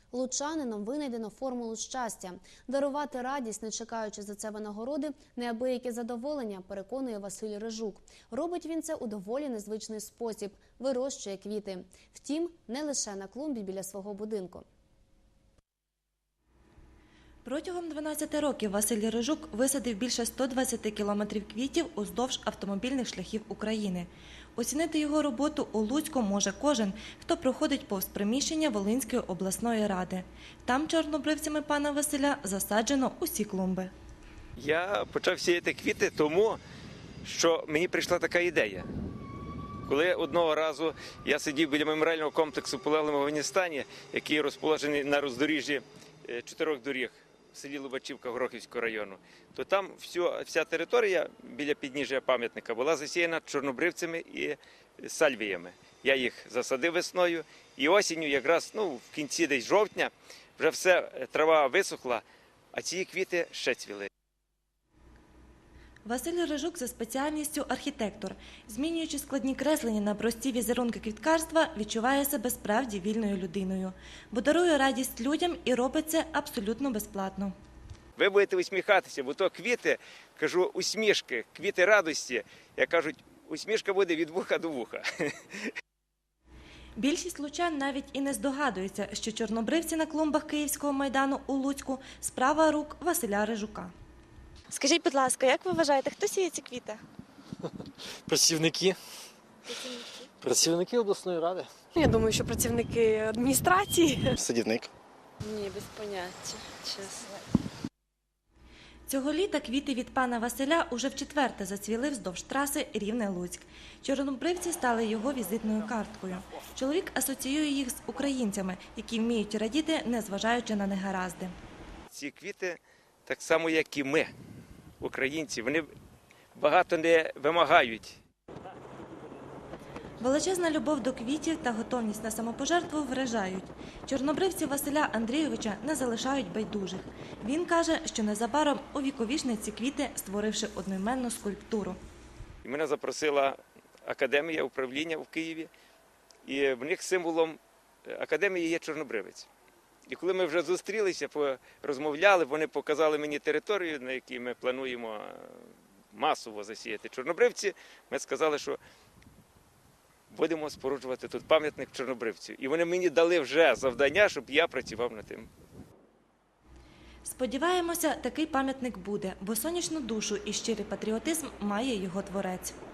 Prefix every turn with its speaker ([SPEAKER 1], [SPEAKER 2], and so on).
[SPEAKER 1] Лучанином винайдено формулу щастя. Дарувати радість, не чекаючи за це винагороди, неабияке задоволення, переконує Василь Рижук. Робить він це у доволі незвичний спосіб – вирощує квіти. Втім, не лише на клумбі біля свого будинку.
[SPEAKER 2] Протягом 12 років Василь Рижук висадив більше 120 кілометрів квітів уздовж автомобільних шляхів України. Оцінити його роботу у Луцьку може кожен, хто проходить повз приміщення Волинської обласної ради. Там чорнобривцями пана Василя засаджено усі клумби.
[SPEAKER 3] Я почав сіяти квіти тому, що мені прийшла така ідея. Коли одного разу я сидів біля меморіального комплексу полеглим в Афганістані, який розположений на роздоріжжі 4 доріг в селі Лубачівка Горохівського району, то там вся територія біля підніжжя пам'ятника була засіяна чорнобривцями і сальвіями. Я їх засадив весною і осінню, якраз в кінці десь жовтня, вже все, трава висохла, а ці квіти ще цвіли.
[SPEAKER 2] Василь Рижук за спеціальністю архітектор. Змінюючи складні креслення на прості візерунки квіткарства, відчуває себе справді вільною людиною. Бо дарує радість людям і робить це абсолютно безплатно.
[SPEAKER 3] Ви будете усміхатися, бо то квіти, кажу, усмішки, квіти радості. Як кажуть, усмішка буде від вуха до вуха.
[SPEAKER 2] Більшість лучан навіть і не здогадується, що чорнобривці на клумбах Київського майдану у Луцьку – справа рук Василя Рижука.
[SPEAKER 4] Скажіть, будь ласка, як ви вважаєте, хто сіє ці квіти?
[SPEAKER 5] Працівники. Працівники обласної ради.
[SPEAKER 4] Я думаю, що працівники адміністрації.
[SPEAKER 5] Садівник.
[SPEAKER 6] Ні, без поняття, чесно.
[SPEAKER 2] Цього літа квіти від пана Василя уже вчетверте зацвіли вздовж траси Рівне-Луцьк. Чорнобривці стали його візитною карткою. Чоловік асоціює їх з українцями, які вміють радіти, незважаючи на негаразди.
[SPEAKER 3] Ці квіти, так само як і ми, українці, вони багато не вимагають.
[SPEAKER 2] Величезна любов до квітів та готовність на самопожертву вражають. Чорнобривці Василя Андрійовича не залишають байдужих. Він каже, що незабаром увіковічнить ці квіти, створивши одноіменну скульптуру.
[SPEAKER 3] Мене запросила академія управління в Києві, і в них символом академії є чорнобривець. І коли ми вже зустрілися, розмовляли, вони показали мені територію, на якій ми плануємо масово засіяти чорнобривці, ми сказали, що будемо споруджувати тут пам'ятник чорнобривцю. І вони мені дали вже завдання, щоб я працював над тим.
[SPEAKER 2] Сподіваємося, такий пам'ятник буде, бо сонячну душу і щирий патріотизм має його творець.